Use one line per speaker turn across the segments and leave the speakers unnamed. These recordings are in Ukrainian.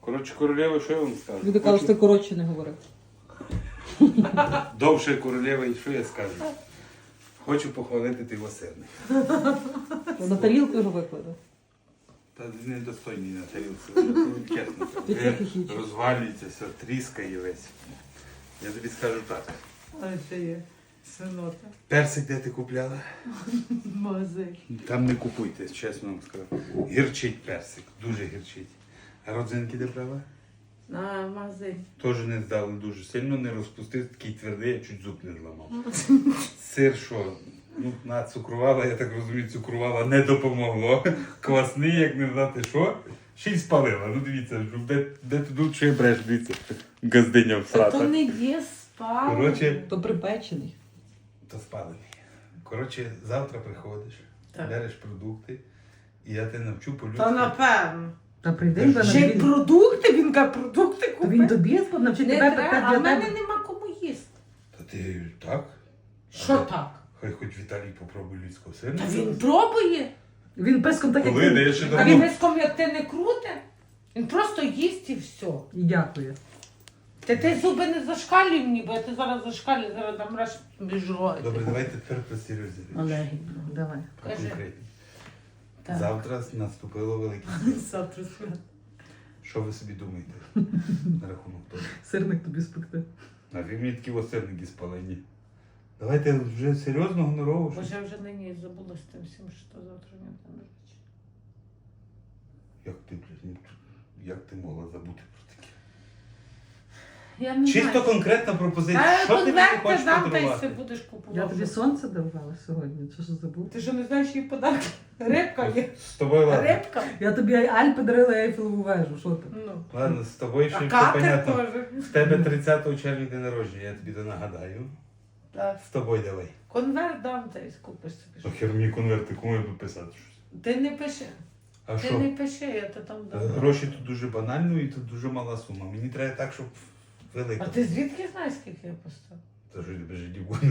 Коротше, королева, що я вам скажу?
Люди кажуть, що ти коротше не говорив.
Довше королева, і що я скажу? Хочу похвалити ти сирник.
На тарілку його викладе.
Та недостойний на тарілці, чесно.
Ти трохи хічеш.
Розвалюється, все, тріскає весь. Я тобі скажу так.
Але це є синота.
Персик де ти купляла?
Магазин.
Там не купуйте, чесно вам скажу. Гірчить персик, дуже гірчить. А родзинки де брала?
На магазин.
Теж не здали дуже сильно, не розпустив, такий твердий, я чуть зуб не зламав. Сир що? Ну, нацукрувала, я так розумію, цукрувала, не допомогло. Квасний, як не знати що. Ще й спалила. Ну дивіться, де тут що я бреш, дивіться. Газдиня
То
всрата.
не є спали.
Коротше,
То припечений.
то спалений. Коротше, завтра приходиш,
Так.
береш продукти, і я тебе навчу по-людськи.
Та напевно.
Та прийди,
Ще й продукти, він каже, продукти
То він
купив.
тобі навчить
Не
тебе
треба,
питати
а
для
в мене
тебе.
нема кому їсти.
Та ти так?
Що так?
Хай хоч Віталій попробує людського
Та
сирника.
він пробує.
Він песком так, як
Коли,
ти.
де я ще
А
давно.
він виском, як ти не крути, він просто їсть і все.
І дякую.
Ти зуби не зашкалюй мені, бо я ти зараз зашкалюю, зараз дам раз біжувати.
Добре, давайте тепер про серйозні речі.
Олег.
Давай.
Про
Кажи.
конкретні.
Так.
Завтра наступило велике свято.
Завтра свято.
Що ви собі думаєте на рахунок того?
Сирник тобі спекти.
А ви мені такі осерники спалені. Давайте вже серйозно, гонорово.
Боже,
щось.
я вже нині забула з тим всім, що завтра не там речі.
Як ти, блядь, ну, як ти могла забути про таке?
Я не
Чисто
знаю.
конкретна пропозиція.
Та
Що ти мені
конверти
хочеш
дам, та й
подарувати?
все будеш купувати.
Я тобі сонце давала сьогодні. Що ж забув?
Ти що не знаєш її подарки? Рибка є.
З тобою ладно.
Рибка?
Я тобі Альпи дарила Ейфелеву вежу. Що ти?
Ну.
Ладно, з тобою ще
А
все
катер
понятно.
теж.
В тебе 30 червня день народження, я тобі то нагадаю.
Так.
З тобою давай.
Конверт дам, та й купиш собі.
Ну хер мені конверти, кому я буду писати щось.
Ти не пиши.
А
Ти
що?
не пиши, я то там дам.
Гроші тут дуже банально і тут дуже мала сума. Мені треба так, щоб велика.
А ти звідки знаєш, скільки я поставив?
Та що тебе життя буде?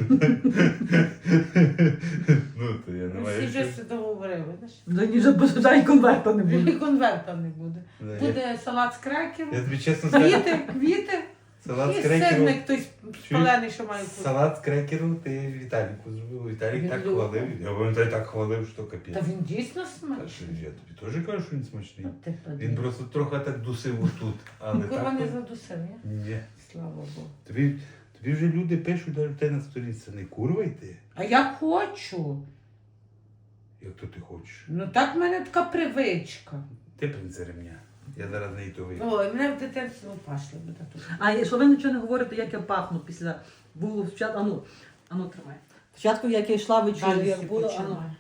Ну, то я не
Ми всі
маю
вже
що.
все договорили, знаєш?
Да ні, вже бажай конверта не
І
буде.
конверта не буде.
Да,
Буде салат з крекеру,
Я тобі чесно скажу,
квіти
салат з
і
крекеру.
сирник той спалений, що має бути.
Салат з крекеру ти Віталіку зробив. Віталік
Він
так
любить.
хвалив. Я пам'ятаю, так хвалив, що капець.
Та він дійсно
Та
смачний.
що, я тобі теж кажу, що він смачний.
От ти
Він
подивись.
просто трохи так дусив отут. Але
Ну, курва
так.
не
то-
задусив, ні?
Ні.
Слава Богу.
Тобі вже люди пишуть, навіть те на сторінці, не курва йти,
А я хочу.
як то ти хочеш.
Ну так в мене така привичка.
Ти принце ремня. Я зараз не йду вийду.
Ой, мене в дитинстві пашли буде тут.
А і що ви нічого не говорите, як я пахну після було спочатку. Ану, тримай. Спочатку, як я йшла вечорю,
Далі
як
всі
було,
починає.
ану.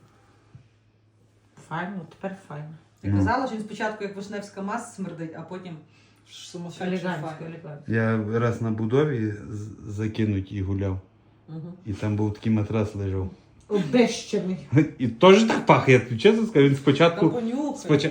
Файно, тепер файно.
Я казала, що він спочатку як вишневська маса смердить, а потім сумасшедший
Елегантсько,
файно.
елегантсько.
Я раз на будові закинуть і гуляв.
Угу.
І там був такий матрас лежав.
Обещаний.
І теж так пахне, я тобі чесно скажу, він
Та
спочатку.
понюхай.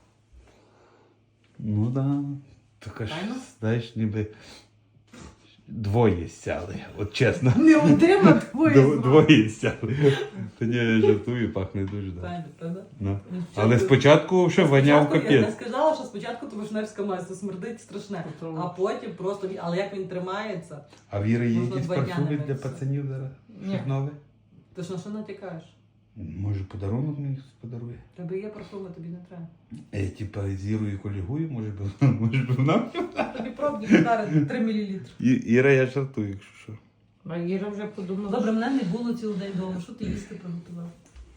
Ну да. Така ж,
Файно?
знаєш, ніби двоє сяли, от чесно.
Не один, а двоє.
Двоє сяли. Та ні, я жартую, пахне дуже, так.
Файно, правда?
Ну.
Ну,
Але спочатку ще воняв
Спочатку Я не
капець.
сказала, що спочатку то вишневська маса смердить страшне, а потім просто, але як він тримається,
А Віри є
Можна
якісь
2 дня
парфуми
не
для
митися.
пацанів зараз?
Ні.
Щось нове?
ти ж на що натякаєш?
Може подарунок мені хтось подарує?
Тебе є парфуми, тобі не треба.
Типа з Ірою колігую, може би вона?
Тобі пробні подари 3 мл.
Іра, я жартую, якщо що.
А Іра вже подумала.
Добре, мене не було цілий день вдома. Що ти їсти приготував?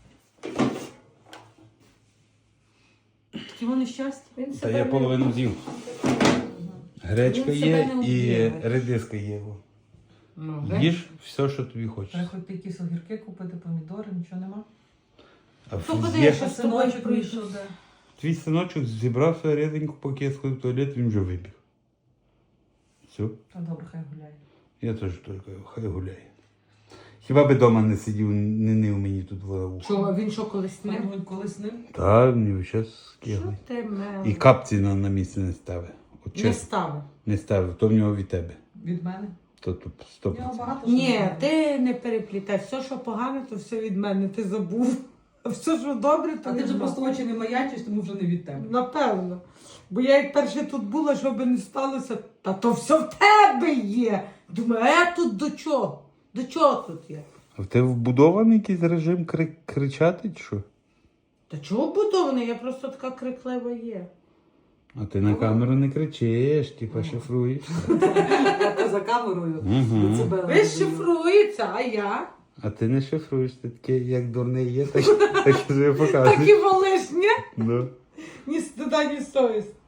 Такі вони щастя.
Він
Та
себе
я
не-
половину з'їв. Гречка
Він себе
є
не
і
об'їв.
редиска є.
Ну, вже.
Їж все, що тобі хочеш.
Треба хоч якісь огірки купити, помідори, нічого нема.
А
То куди
є-
я ще з тобою
Синочок
прийду?
вийшов, де?
Твій синочок зібрав свою ріденьку, поки я сходив в туалет, він вже вибіг. Все.
Та добре, хай гуляє.
Я теж тільки хай гуляє. Хіба би вдома не сидів, не нив мені тут в ухо.
Чого, він що колись не?
Ми колись ним.
Та, мені зараз
Що
скигли.
ти мел?
І капці на місце не ставить. От
Не
чесно,
ставив.
не ставив, то в нього від тебе.
Від мене.
То тут
В нього
100%.
багато що
Ні,
немає.
ти не переплітай. Все, що погане, то все від мене. Ти забув. А все, що добре, то
А ти
від
вже
мене.
просто очі не маячиш, тому вже не від тебе.
Напевно. Бо я як перше тут була, що би не сталося, та то все в тебе є. Думаю, а я тут до чого? До чого тут є?
А в тебе вбудований якийсь режим кричати чи що?
Та чого будований? Я просто така криклива є.
А ти на камеру не кричиш, типа шифруєш.
Я за камерою.
Мгм.
Децибели
Ви
даю.
шифрується, а я?
А ти не шифруєш, ти такий, як дурний є, так і собі
Так
показуєш.
і волиш, ні?
Ну.
Ні стида, ні совість.